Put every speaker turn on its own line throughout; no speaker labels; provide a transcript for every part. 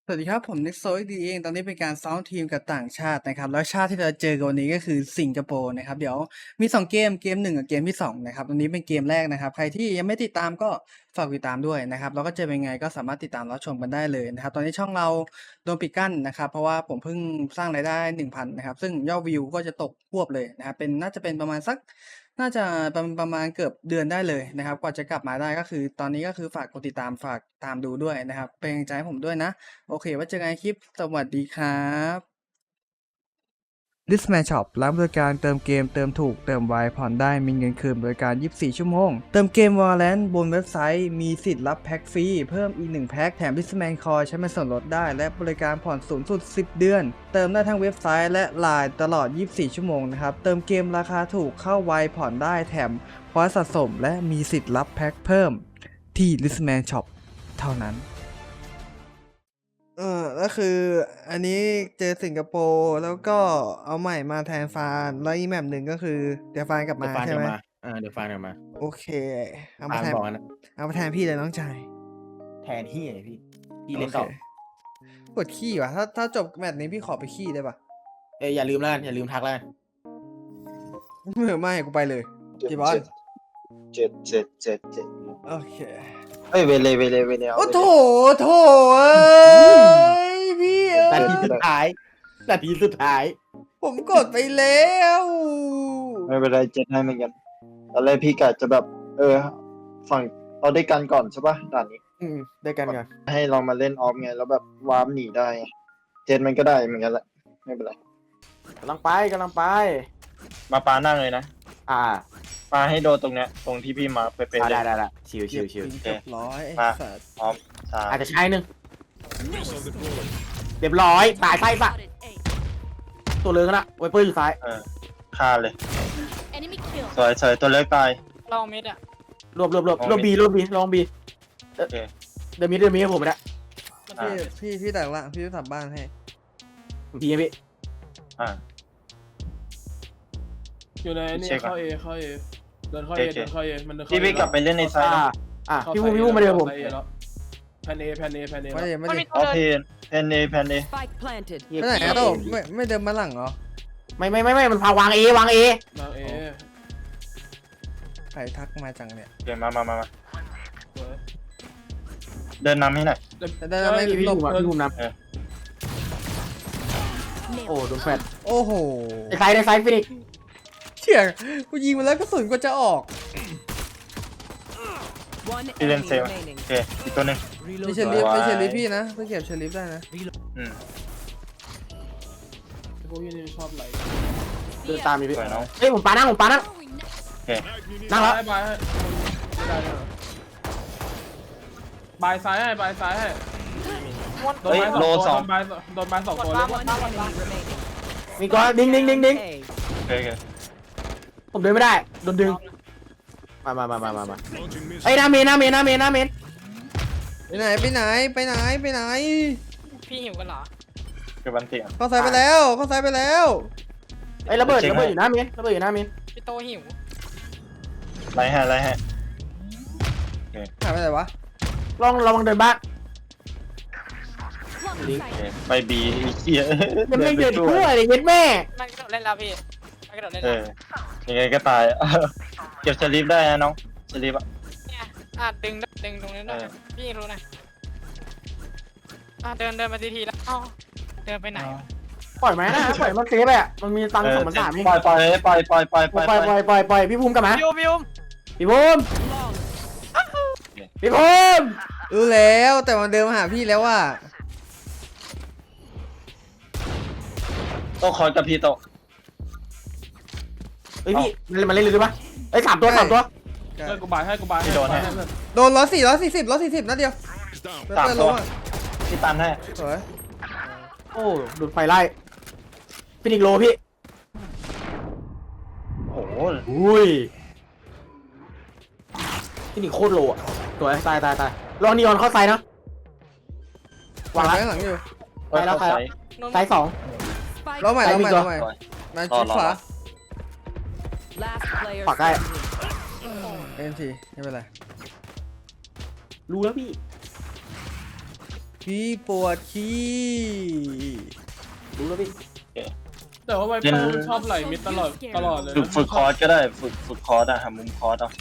สวัสดีครับผมนิกโซยดีเองตอนนี้เป็นการซ้อมทีมกับต่างชาตินะครับแล้วชาติที่เราเจอกันวันนี้ก็คือสิงคโปร์นะครับเดี๋ยวมี2เกม1กับเกมที่2นะครับตรงนี้เป็นเกมแรกนะครับใครที่ยังไม่ติดตามก็ฝากติดตามด้วยนะครับแล้วก็จะเป็นไงก็สามารถติดตามรับชมกันได้เลยนะครับตอนนี้ช่องเราโดนปิดกั้นนะครับเพราะว่าผมเพิ่งสร้างรายได้ 1,000 นะครับซึ่งยอดวิวก็จะตกพรวบเลยนะครับน่าจะเป็นประมาณสัก น่าจะประมาณเกือบเดือนได้เลยนะครับกว่าจะกลับมาได้ก็คือตอนนี้ก็คือฝากกดติดตามฝากตามดูด้วยนะครับเป็นกำลังใจให้ผมด้วยนะโอเคไว้เจอกันในคลิปสวัสดีครับ Disman Shop ร้านบริการเติมเกมเติมถูกเติมไวผ่อนได้มีเงินคืนบริการ 24 ชั่วโมงเติมเกม Valorant บนเว็บไซต์มีสิทธิ์รับแพ็คฟรีเพิ่มอีก1แพ็คแถม Disman Coin ใช้เป็นส่วนลดได้และบริการผ่อนสูงสุด10 เดือนเติมได้ทั้งเว็บไซต์และ LINE ตลอด 24 ชั่วโมงนะครับเติมเกมราคาถูกเข้าไวผ่อนได้แถมพอยต์สะสมและมีสิทธิ์รับแพ็คเพิ่มที่ Disman Shop เท่านั้นก็คืออันนี้เจอสิงคโปร์แล้วก็เอาใหม่มาแทนฟานแล้วอีกแมปหนึ่งก็คือเดี๋ยวฟานกลับ
เดี๋
มา
ยวฟาน
ใช่
เดี๋ย
ไหม
วมาเดี๋ยวฟานเดี๋ยวมา
โอเคเอา
ฟา
มานแทน
บอกนะ
เอามาแทนพี่เลยน้องชาย
แทนที่ไงพี่เล่น
โอ
ต่อ
เคปวดขี้ว่ะถ้าจบแมตช์นี้พี่ขอไปขี้ได้ปะ
อย่าลืมแล้วกันอย่าลืมทักแล้วกัน
ไม่กูไปเลยกี่บอล
เจ็ด
โอเค
เอ้ยเวเลเอา
โอ้โถ
เวเล
โถเอ้ยพี่เอ้
นาย ทีสุดท้ายนาทีสุดท้าย
ผมกดไปแล้ว
ไม่เป็นไรเจ็ดให้เหมือนกันตอนแรกพี่กะจะแบบ ฝั่งเราได้กันก่อนใช่ปะด่านนี้
ได้กันก่อน
ให้เรามาเล่นออฟไงแล้วแบบวาร์ปหนีได้ไงเจ็ดมันก็ได้เหมือนกันแหละไม่เป็นไร
กำลังไป
มาปานั่งเลยนะ
ปา
ปาให้โดนตรงเนี้ยตรงที่พี่มาเป๊ะๆเล
ได้
ย
ชิว
เกือบร้อยไอ้
มา
สัตว์
พร้อมสาม
อาจจะใช้หนึ่งเรียบร้อยตายไส้ปะตัวเลือกนะไวเปอร์อยู่ซ้าย
ฆ่าเลย
Enemy kill
สวยตัวเล็กตาย
ลองมิดอ่ะ
รวบบีลองบี
โอเค
เดี๋ยวมีให้ผมไปแล้ว
พี่แต่งละพี่ทำบ้านให้
พี่พี่
อ่า
อยู่ในนี่
เช็คก่อน
เข้าเอเดินเข้า
โอ
เอ
เค
เดินเข้าเอมันเดินเข้า
พี่ไปกลับไปเล่นในไซต์นะ
พี่พูดมาเดี๋ยวผม
แพนเอ
ไม่ได้ไม่
มัน
ได้
มี
อ๋อ
ตัวเดิน
เพนเอ
Spike planted.
ไปไหนอะโต้ไม่เดินมาหลังเหรอ
ไม่มันพาวางเอ
วางเอ
ใครทักมาจังเนี่ย
โอเคมาเดินนำให้หน่อย
ได้ไม่
พี่
หลบ
ภูมินำโอ้โดนแฟด
โอ้โห
ในไซส์ฟินิก
เชี่ยกูยิงมาแล้วกระสุนก็จะออก
One
พี่เล่น
enemy
เซล
remaining.
โอเคอีกตัวหนึ่ง
ไม่ใช่ลิฟต์พี่นะเพิ่งเก็บเชลิฟได้นะ
อืม
พวกนี้ชอบไหล
เดินตามมีพี่
สวยน้อง
เฮ้ยผมปานั่ง
โอเค
นั่งแล้ว
บายไม่ได้บายซ้ายให้บายซ้ายให้โดนบายสองตัวเลย
One enemy remaining.
มีก้อนดิ้ง
A.
โอเค
ผมเดินไม่ได้โดนดึงมาไอ้หน้าเมน
ไปไหน
พี่หิวกันเหรอ
คือบันเตียง
เข้าซ้ายไปแล้ว
ไอ้ระเบิดอยู่หน้าเมน
พี่โตหิว
ไล่ให้
หายไปไหนวะ
ระวังเดินบ้าน
โอเคไปบีไอ้เหี้ย
ยังไม่เดินทั่วเลยเย็ดแม่
มันกระโดดเล่นแล้วพี่มันกระโดดเล่น
เอ
แล้ว
อยังไงก็ตายเก็บสลิปได้นะน้องสลิปอะ
เนี่ยดึงตรงนี้หน่อยพี่รู้นะเดินมาทีแล้วเดินไปไหน
ปล่อยไหมนะปล่อยมันเซฟอะมันมีตังค์2,300นี่
ปล่อย
ปล่อยพี่ภูมิกลับมา
พี่อุ้ม
พี่ภูมิ
รู้แล้วแต่มันเดินมาหาพี่แล้วว่า
โต๊ะคอยกับพี่โต๊ะ
เฮ้ยพี่มันเล่นเลยปะไอ้3 ตัว
กูบายให้
โดน140นัดเดียว
3
ล
ตัว
งอ่ะ
พี่ตันให้
สวย
โอ้โดนไฟไล่ฟินิกโลพี่
โอ้โห
อุ้ยฟินิกโคตรโลอะตัวตายลองนีออนเข้าไซนะวาง
ไว้
แล้ว
ข้างหลังอยู่
ไปแล้ว
เข้า
ไซส์ 2
Spike
ล้อใหม่
ไป
มาชิดขวา
last player
ฝากได้
standing.
เอ็มทีไม่เป็นไร
รู้แล้วพี่
พี่ปวดขี้
รู้แล้วพี่
แต่ว่าไวเปอร์ชอบไหลมิดตลอดเลย
ฝึกคอร์สก็ได้ฝึกคอร์สอะหามุมคอร์สเอา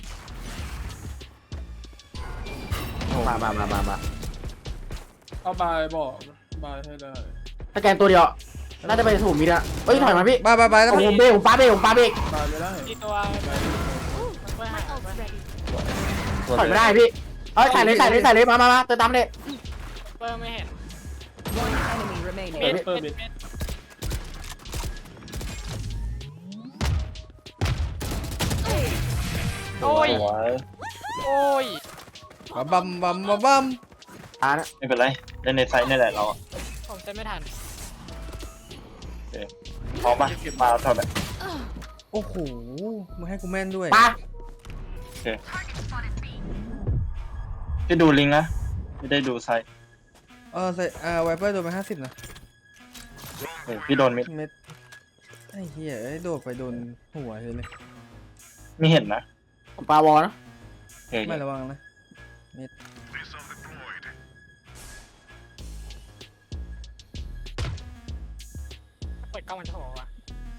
มา
เอาบายบอกบายให้ได้
ถ้าแกนตัวเดียวน่าจะไปถูกมิดอะเอ้ยถอยมาพี่
ไปแล้ว
ผมเบรกผมปาเบรก
บายไม่ได้
ที่ตัวไปหาไป
ถอยไม่ได้พี่เอ้ยใส่เลยมาเติมตามเลย
เปอร์ไม่เห็น
One enemy remaining.
เม็ด
เปิด
เม็
มิ
ด
ด
เม็ดโอ้ย
สวย
โอ้ย
บัม
อ่านะ
ไม่เป็นไรเล่นในไซส์นี่แหละเราอะ
ผมจะไม่ทัน
พร้อมปะมาเท่าไหร่
โอ้โหมึงให้กูแม่นด้วย
ปา
พี่ดูลิงก์นะไม่ได้ดูไซส์
ไวเปอร์โดนไป50นะ
พี่โดนมิด
เม็ดไอ้เหี้ยโดดไปโดนหัวเลย
ไม่เห็นนะ
ผมปาวอลนะ
โอเค
ไม่ระวังนะ
เปิดกล้องมันจะบอกว่า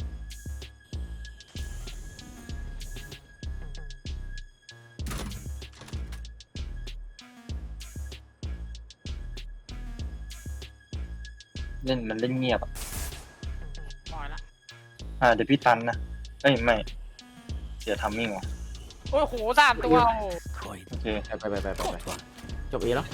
เล่นมันเล่นเงียบอะ
ปล่อยละ
เดี๋ยวพี่ตันนะเอ้ยไม่เสียทัมมิ่งว่ะ
โอ้โห3 ตัวโอ้
โอเค
ไปจบเอแล้ว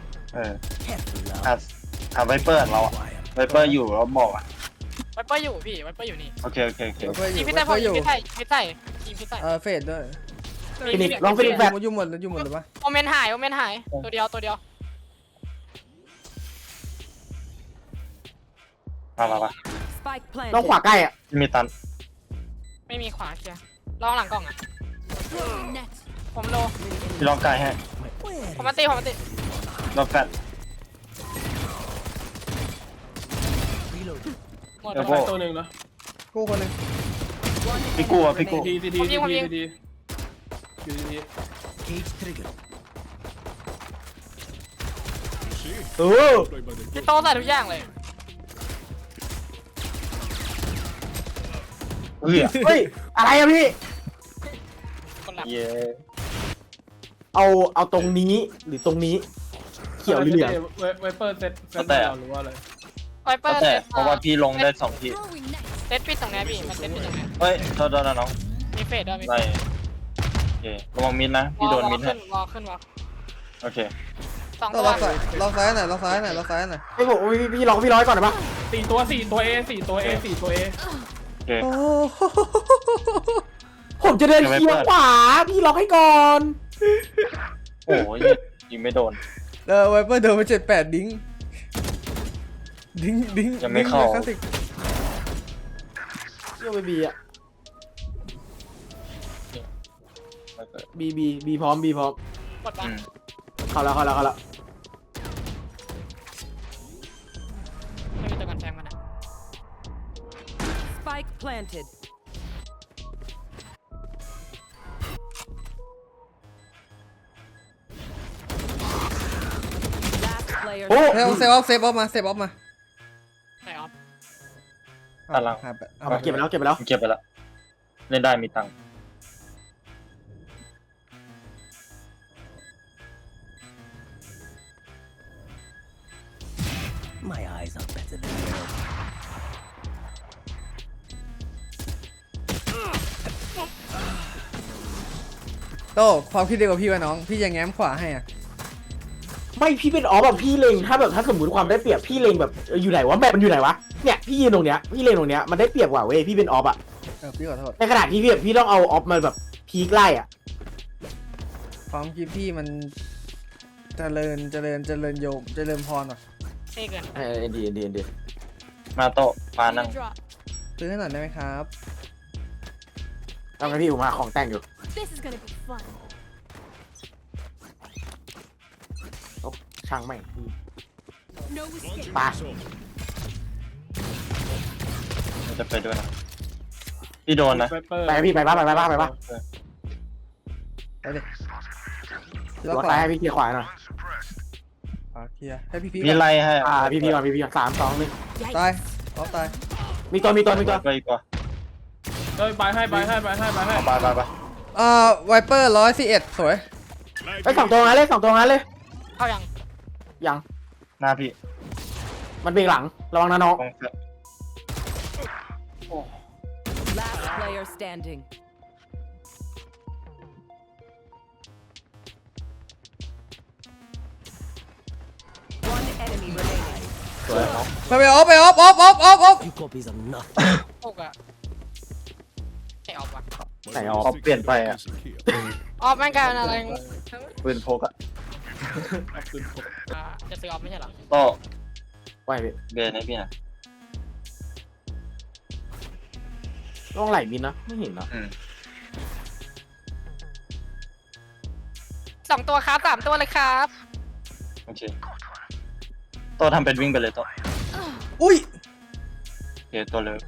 ไวเปอร์เราอะไวเปอร์อยู่แล้วบอกอะ
ไวเปอร์อยู่พี่ไวเปอร์อยู่นี่
โอเค
ไวเปอร์อ
ยิ
ยู่
งพี่
ไว
ใส่
เปอร์อยู่
ยิงพี่ใส่พี่ใส่ยิงพี่ใส่
เฟดด้วย
ฟินิกลองฟินิกแบบ
อยู่หมดเลยปะ
โอเมนหายตัวเดียว
มา
Spike
ต้อง
planted.
ขวาใกล้อ่ะ
พี่มีตัน
ไม่มีขวาเคลียร์ลองหลังกล่องอ่ะผมโล
พี่ลองกายให้
ผมมาตี
ลองแฟด
หมด
เดี๋ยว
ไปตัวหนึ่งนะ
กู้คนหนึ่ง
พี่กู้อะพี่กู้
ทีอยู่ดี
พี่โตใส่ทุกอย่างเลย
เฮ้ย
เฮ้ยอะไรอะพี่
คนหลับ
เย้
เอาตรงนี้หรือตรงนี้ เขียวหรือเหลือง
ไวเปอร์เซตหรือว่าอะไร
ไวเปอร์
แต่เพราะว่าพี่ลงได้2ที
เซตปิดตรงนี้พี่มันเซตปิดตรงนี้
เฮ้ยโทษนะน้อง
มีเฟดด้วยมี
ไล่โอเคระวังมิดนะพี่โดนมิด
ขึ้
ฮะ
นวอลขึ้นวอล
โอเค
2
ต้
ตั
อง
ว
ล็อกซ้ายหน่อยล็อกซ้ายหน่อย
ไอ้ผมพี่ร้อยก่อนได้ปะ
4 ตัวเอ
โอเค
โอ้
ผมจะเดินเคียงขวาพี่ล็อกให้ก่อน
โอ้ยยิงไม่โดน
ไวเปอร์โดนไป78ดิ้ง
ยังไม่เข้า
คลาสสิก
เชื่อไปบีอ่ะบีพร้อม
กดมา
เข้าแล้ว
ไม่มีตัวกันแทงมันนะ
Spike planted. Last player.
โอ้
เซฟออฟมา
ใส่ออฟ
ตันหลัง
เอาเก็บไปแล้ว
เก็บไปละเล่นได้มีตังค์
โตความคิดเดียวกับพี่วะน้องพี่จะแง้มขวาให้อ่ะ
ไม่พี่เป็นแบบพี่เล็งถ้าสมมติความได้เปรียบพี่เล็งแบบอยู่ไหนวะแบบมันอยู่ไหนวะเนี่ยพี่ยืนตรงเนี้ยพี่เล็งตรงเนี้ยมันได้เปรียบกว่าเว้ยพี่เป็นออฟอ่ะ
พี่ขอโทษ
ในขณะที่พี่ต้องเอาออฟมาแบบพีคไล่อ่ะ
ความคิดพี่มันเจริญโยมเจริญพรว่ะ
เท่เกิน
ดี
มาโตะมานั่ง
ซื้อให้หน่อยได้ไหมครับ
ต้องให้พี่ผมหาของแต่งอยู่
This is gonna be fun.
ช่างแม่ง
No escape.
ปา
จะไปด้วยนะพี่โดนนะ
ไวเปอร์
ไปพี่ไปปะ
ไปดิ
รถไปให้พี่เคลียร์ขวาหน่อย
โอเคเคลียร์ให้พี่
พี่ไล่ให้
พี่ก่อน3 2 1
ตายออฟตาย
มีตัว
ไปอีกว่า
เฮ้ยไปให้
ไป
ไวเปอร์111สวย
ไอ้2ตัวงั้นเลย2ตัวงั้นเลย
เข้ายัง
ยัง
หน้าพี่
มันเบรกหลังระวังนะน้อง
ตรง
Last player standing. One enemy remaining.
สวยน้อง
ไปออฟไปออฟ
พวกอะไม่ออกว่ะ
ไหนออก
เขาเปลี่ยนไปอ่ะ
ออกแม่งกลายเป็นอะไร
ปืนพกอ่ะ
จะซื้อออกไม่ใช่เหรอ
โต้
ไหวพี่
เบนให้พี่หน่อย
ต้องไหลมินนะไม่เห็นนะ
2 ตัวครับ3 ตัวเลยครับ
โอเคโต้ทำเป็นวิ่งไปเลยโต้
อุ้ย
โอเคตัวเลย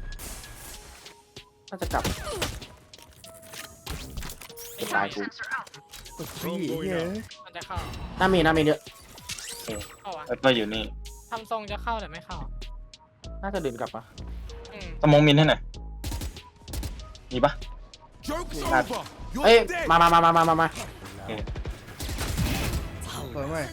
น่าจะกลับตายกู
เฮ้ย
มันจะเข้า
หน้าเมนเยอะ
เข้าวะ
ไวเปอร์อยู่นี่
ทำทรงจะเข้าแต่ไม่เข้า
น่าจะเดินกลับปะ
สมองมินให้หน่อยมีปะ
เอ้ยมา
สวยไหม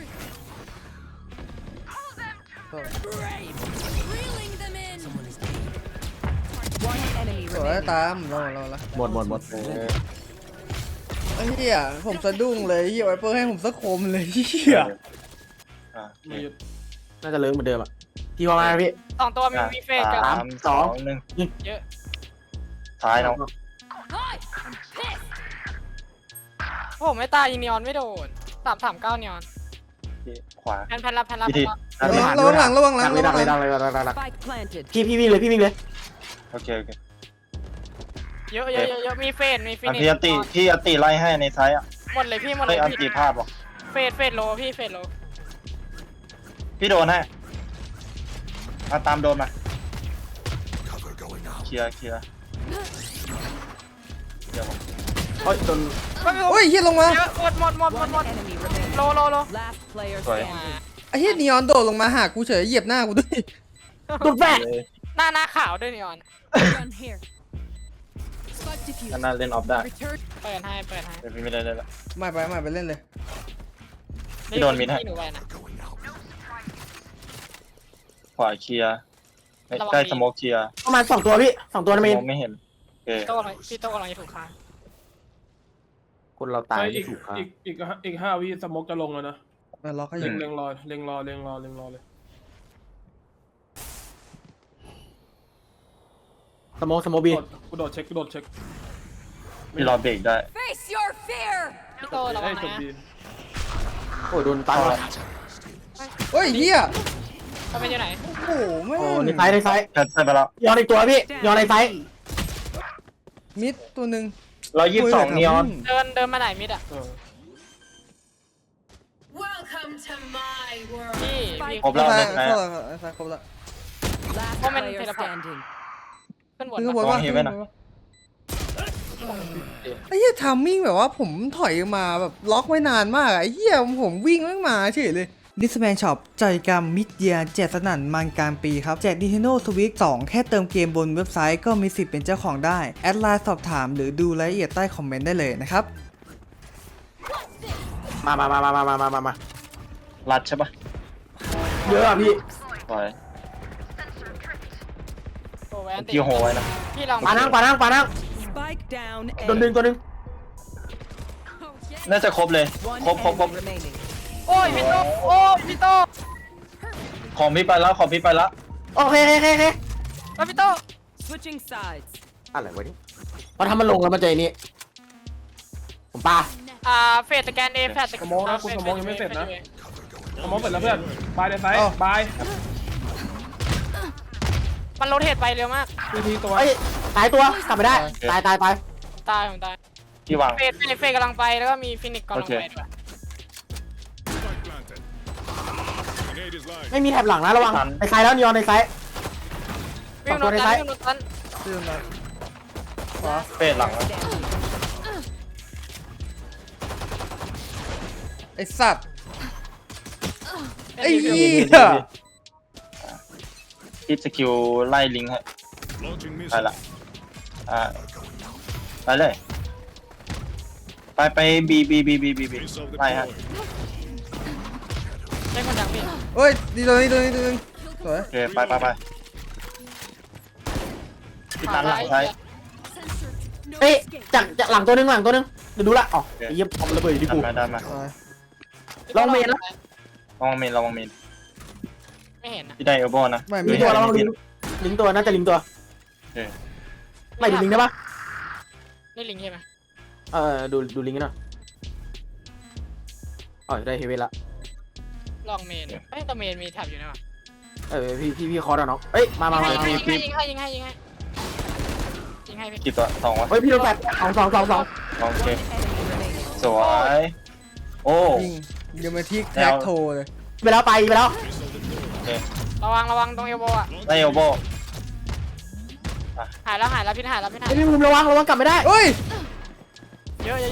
Reeling them in.
One enemy
สวย
remaining.
ตามเราละ
หมด
ไอ้เหี้ยผมสะดุ้งเลยเหี้ยไวเปอร์ให้ผมสักคมเลยเหี้ย
ไม่หยุด
น่าจะเลิกเหมือนเดิมอ่ะพี่ว่าไงพี่
2 ตัวมีเฟสกับ
3 2 1
เยอะ
ท้ายน้อง
Hi, I'm pissed.
ผมไม่ตายยิงนีออนไม่โดน339นีออน
ขวา
แพนรับ
พี่ที
ระวังหลัง
ดักเลย
Spike planted.
พี่วิ่งเลย
โอเค
เยอะมีเฟสมีฟินิช
พี่อติไล่ให้ในซ้ายอ่ะ
หมดเลยพี่หมดเล
เฮ้ย
ย
อัน
พี่
ติพลาดว่ะ
เฟสโลพี่เฟสโล
พี่โดนให้มาตามโดนมาเคลียร์เดี๋ยว
เฮ้ยจน
โอ้ยเหี้ยลงมา
เยอะหมด
One enemy remaining.
โล
Last player
Sorry.
standing.
ไอ้เหี้ยนีออนโดดลงมาหากูเฉยเหยียบหน้ากูด้วย
ตุดแฝด
เลย
หน้าขาวด้วยนีออน
Run here. Spike diffused.
ก็น่าเล่นออฟได้
Return.
เปิดให้
แต่พี่ไม่ได้เล่นละ
ไม่ไปเล่นเลย
พี่โดนมิดให้
หนูไปนะ
ขวาเคลียร์
ระวัง
ใกล้
มี
สโมกเคลียร์
ประมาณ2ตัวพี่2ตัวนะเมน
สโมกไม่เห็นโอเค
พี่โต้กำลังจะถูกฆ่า
คนเราตาย
เฮ้ย
ไม่ถูกครับ
อีก5 วิสโมกจะลงแล้วนะ
มาล็อกให้อ
เล็
ยู่
งรอเลย
สโมบี
กูโดดเช็ค
พี่รอเบรกได้
Face your fear.
พี่โต้ระวั
เอ้
ง
ยจบ
นะ
ดี
โอ้ยโดนตาย
โอ้ยเหี้ย
เขาเป็นอยู่ไหน
โอ้โหแม่
โอ้
ง
ในไซส์
แพทใส่ไปแล้ว
ย้อนอีกตัวพี่ย้อนในไซส์
มิดตัวหนึ่ง
122นีออน
เดินมาไหนมิดอ่ะ
Welcome to my world.
พี่
ครบแล้ว
ซ้าย
นะ
ซ้ายครบแล้ว
Last
Woman
player
teleport.
standing.
ขึ้นบน
ขึ้นข้างบน
ระวังเห็นไหมนะ
ไอ้เหี้ยทามมิ่งแบบว่าผมถอยมาแบบล็อกไว้นานมากอะไอ้เหี้ยผมวิ่งแม่งมาเฉยเลยดิสแมนช็อปใจกรรมมิดเยียแจกสนั่นมันกลางปีครับ แจก Nintendo Switch 2 แค่เติมเกมบนเว็บไซต์ก็มีสิทธิ์เป็นเจ้าของได้ แอดไลน์สอบถามหรือดูรายละเอียดใต้คอมเมนต์ได้เลยนะครับ
มา
รัดใช่ปะ
เยอะอ่ะพี่
ปล่อย
โอ้แวนติ
พี่โหไว้นะ
พี่ลอง
ปานั่ง
Spike down.
โดนดึง
Oh, yeah.
น่าจะครบเลย
One
ครบ
enemy remaining.
โอ้ยพี่โต้โอ้ยพี่โต้
ของพี่ไปแล้วของพี่ไปแล้ว
โอเค
แล้วพี่โต้
Switching sides.
อะไรวะนี่พอทำมันลงแล้วมันเจอนี่ผมปา
เฟสสแกนเอแฟส
สโมกนะกูสโมกยังไม่เสร็จนะสโมกเสร็จแล้วเพื่อนบายเดนไซด์บาย
มันโรเทตไปเร็วมาก
ทีตัว
เอ้ยตายตัวกลับไม่ได้ตาย
ตายผมตาย
พี่วาง
เฟสกำลังไปแล้วก็มีฟินิกกำลังไปด้วย
ไม่มีแถบหลังนะระวังในไซส์แล้วนีออนในไซส์
วิ่งโดนตันวิ่งโดนตัน
ชื่อมา
เฟดหลังแล้ว
Standing.
ไอ้สัตว์ไอ้เหี้ย
คิดสกิลไล่ลิงให้ไปละไปเลย ไปบีไล่ฮะ
ได้คนดังพี่
เฮ้ยดีตัวนี้สวย
โอเคไปพี่ตันหลังใช้
No
เอ้ย
escape.
จากหลังตัวนึงเดี๋ยวดูละอ๋อไอ้เหี้ยเอาระเบิดอยู่ที่กู
ดันมา
สวย
ลองเมนนะ
ระวังเมน
ไม่เห็นนะ
พี่ได้เอลโบนะ
ไม่
ลิ
ไม่
งตัวระวังลิงตัวน่าจะลิงตัว
โอเค
ไม่ดูลิงได้ปะ
นี่ลิงใช่ไหม
ดูลิงกันหน่อยอ๋อได้เฮเวนละ
ลองเมนเอ้ยแต่เมนมีแท็บอยู่นะวะ
พี่คอร์ดเนาะเอ้ยมา
ยิงให้ยิงให้พี่
กี่ตัวสองวะ
เฮ้ยพี่โดนแปดสอง
โอเค
Enemy remaining.
สวยโอ้
ยิงเดี๋ยวมาที่แท็กโทรเลย
ไปแล้ว
ระวังตรงเอลโบอ่ะ
ได้เอลโบ
หายแล้วพี่หาย
ไอ้พี่ภูมิระวังกลับไม่ได้
เฮ้ย
เยอะ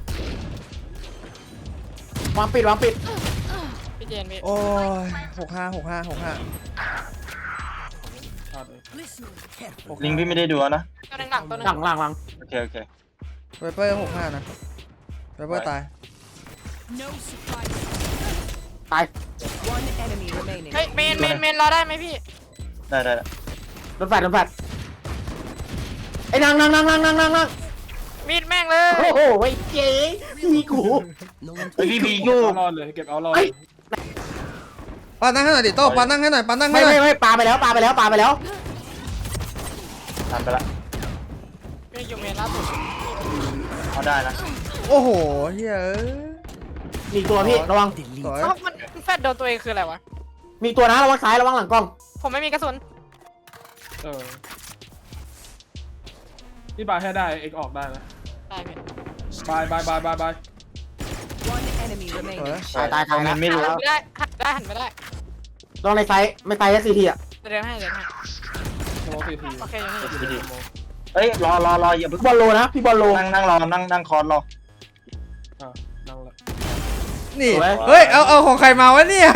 วางปิด
พี่เจนพี่
โอ้ย65
ลิงพี่ไม่ได้ดูนะ
ตัวหนึ่งหลังตัวหนึ่ง
หลัง
โอเค
ไวเปอร์65นะไวเปอร์ตาย
No surprise.
ตาย
One enemy remaining.
เฮ้ยเมนรอได้ไหมพี่
ได้
โดนแฟดไอ้นั่ง
มีดแม่งเลย
โอ้โหไอ้เจ๊พี่กู
พี่บี
เก็
ยู
บเอารอดเลยเก็บเอารอดเลย
ปานั่งให้หน่อยดิโต้ปานั่งให้หน่อย
ไม่ปาไปแล้ว
ทำไปละ
พี่อยู่เมนล่าสุด
เขาได้นะ
โอ้โหเฮ้ย
มีตัวพี่ระวัง
สวย
เอ้ามันแฟดโดนตัวเองคืออะไรวะ
มีตัวนะระวังซ้ายระวังหลังกล้อง
ผมไม่มีกระสุน
พี่บายให้ได้เอกออกได้นะ
ได้พี่
บาย
One enemy
สวย
remaining.
ตาย
เมนไม่รู้
หันไม่ได้หันไม่ได้
ลองในไซส์ไม่ตายแค่ซีทีอ่ะ
เดินให้
สโมที
โอเคอยู่นี่
เฮ้ยรออย่าเพิ่ง
บอลโลนะพี่บอลโล
นั่งรอนั่งคอร์สรอ
นั่งละ
นี่
สวย
เฮ้ยเอาของใครมาวะเนี่ย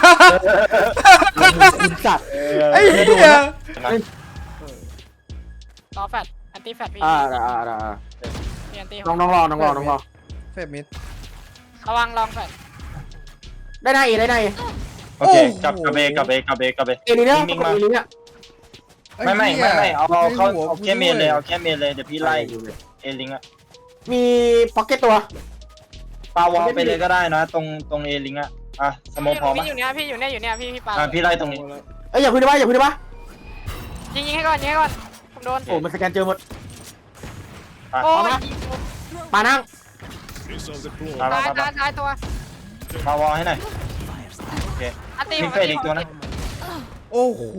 คุณสัตว์
ไอ้เหี้ย
รอแฟดแอนตี้แฟดพี่มีแอนตี้
น้องรอ
เฟรมิด
ระวังลองแฟด
ได้ไง
โอเคกับเบ
เอลิเนี่ย
นิ่ง
เอ
มา
ลิเนี่ย
ไม่เอาเขาแค่เมนเลยเดี๋ยวพี่ไล่เอลิงอะ
มีพ็อกเก็ตตัว
ปาวอลไปเลยก็ได้นะตรงเอลิงอะสโมพอ
พี่
ปะ
อยู่เนี่ยพี่ปา
พี่ไล่ตรงนี้
เอ้ยอย่าพึ่งได้ปะ
ยิงให้ก่อนผมโดน
โอ้มันสแกนเจอหมด
โอ้ย
ปานั่ง
ตายตัว
ปาวอลให้หน่อยโอเค
อันตี้
มีเฟดอีกตัวนะ
โอ้โห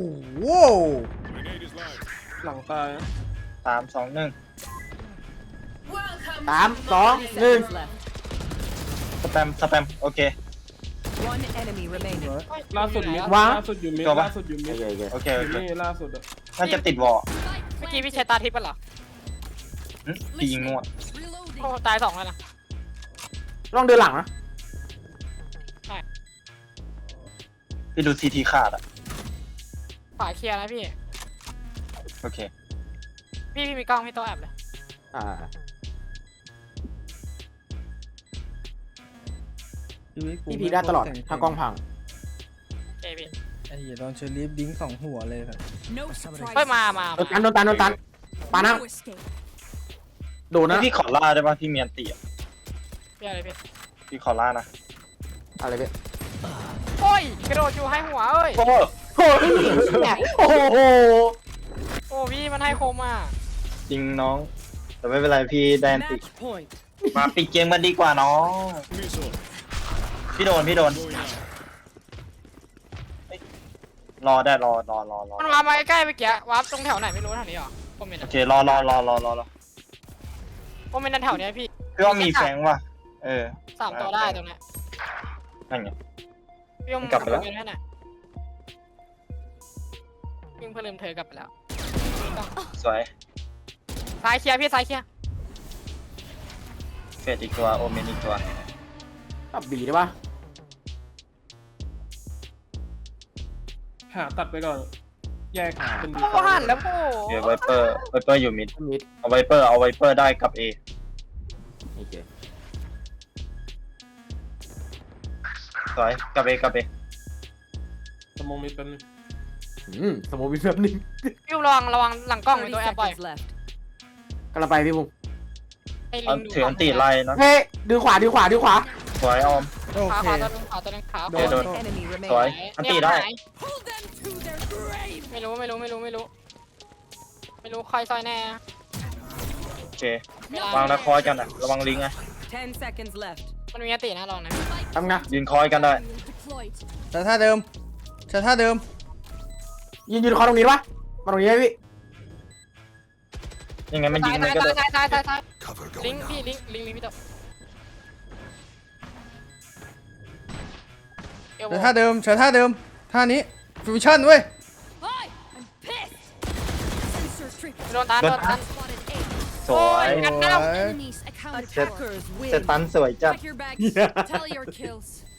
หลังตายนะ
3 2 1
Welcome
3 2 1
Seconds left.
สแปมโอเค
One enemy remaining.
ล่าสุดมิด
วะ
ล่าสุดอยู่มิด
ตัวปะ
ล่าสุดอยู่มิด
โอเค
นี่ล่าสุดอะ
น่าจะติดวอล
เมื่อกี้พี่ใช้ตาทิพย์ป่ะเหรอ
พี่ยิงมั่ว
โอ้ตาย2แล้วนะ
ลองเดินหลังนะ
พี่ดูซีทีขาดอะ
ขวาเคลียร์นะพี่
โอเค
พี่มีกล้องพี่โต๊ะแอบเลย
พี่พีได้ตลอดถ้ากล้องพัง
เจพี่
ไอ้เหี้ยโดนเชอรี่ดิ้ง2 หัวเลยแบบ
No surprise.
เฮ้ยมา
โดนตันปานั่ง
No escape.
โดนนะ
พี่ขอล่าได้ป่ะพี่เมียนตีอะ
พี่อะไรพี่
พี่ขอล่านะ
อะไรเว้ย
โอ้ยกระโดดอยู่ให้หัวเอ้ย
โอ้
โอ้โห
โอ้พี่มันให้โคมอ่ะ
จริงน้อง แต่ไม่เป็นไรพี่แดนติ
Match point.
มาปิดเกมกันดีกว่าน้องพี่โดนรอได้รอ
มันวาร์ปมาใกล้ๆเมื่อกี้วาร์ปตรงแถวไหนไม่รู้แถวนี้หรอผมเห็น
โอเครอ
ผมเป็นแถวเนี้ยพี่
พี่ว่ามีแฟงว่ะ
3 ตัวได้ตรงเนี้ย
นั่นไง
พี่ยม
กลับไปแล้ว
เนให้หน่อยพี่เพิ่งลืมเธอกลับไปแล้ว
สวย
ซ้ายเคลียร์พี่ซ้ายเคลียร์
เฟดอีกตัวโอเมนอีกตัว
ตับบีได้ปะ
หาตัดไปก่อน แยกเป็นดี
โอ้หันแล้วโอ้
โอเคไวเปอร์อยู่มิด
มิด
เอาไวเปอร์ได้กับ A
โอเค
สวยกับ A
สมองมิดเป็นง
สมมติมีแบบนึง
พี่ระวังหลังกล้องมี
30
ตัวแอบบ่อย
seconds left.
กำลังไปพี่บุ้ง
ให้ลิ
เอา
งดู
ถืออันตีไล่นะ
เฮ้ยดึงขวา
สวยออม
โอ
ขา
เค
ขวาตัวนึงขวาตัวนึงขา
โด
ขวาน
โดน
One enemy
สวย
remaining.
อันตีได้
Pull them to their grave.
ไม่รู้ใครซอยแน่
โอเค วางนะคอยกันอ่ะ ระวังลิงก์นะ
10 seconds left.
มันมีอตินะลองนะ
ทำไง
ยืนคอยกันได้
Deployed.
แต่ท่าเดิมแต่ท่าเดิม
ยืนคอตรงนี้ปะมาตรงนี้ไหมพี่
ยังไงมันยิง
ตาย
มันก็โดน
ตายลิงพี่ลิงพี่ตัวเอว
แต่ท่าเดิมแต่ท่าเดิมท่านี้ฟิวชั่นเว้ย
Hi, I'm pissed. Sensor trip.
โดนตัน
Spotted A.
สวย
กันหน้า
Enemies accounted for.
Attackers
เซ
win.
ตันสวยจัด
Pack your bags. Tally your kills.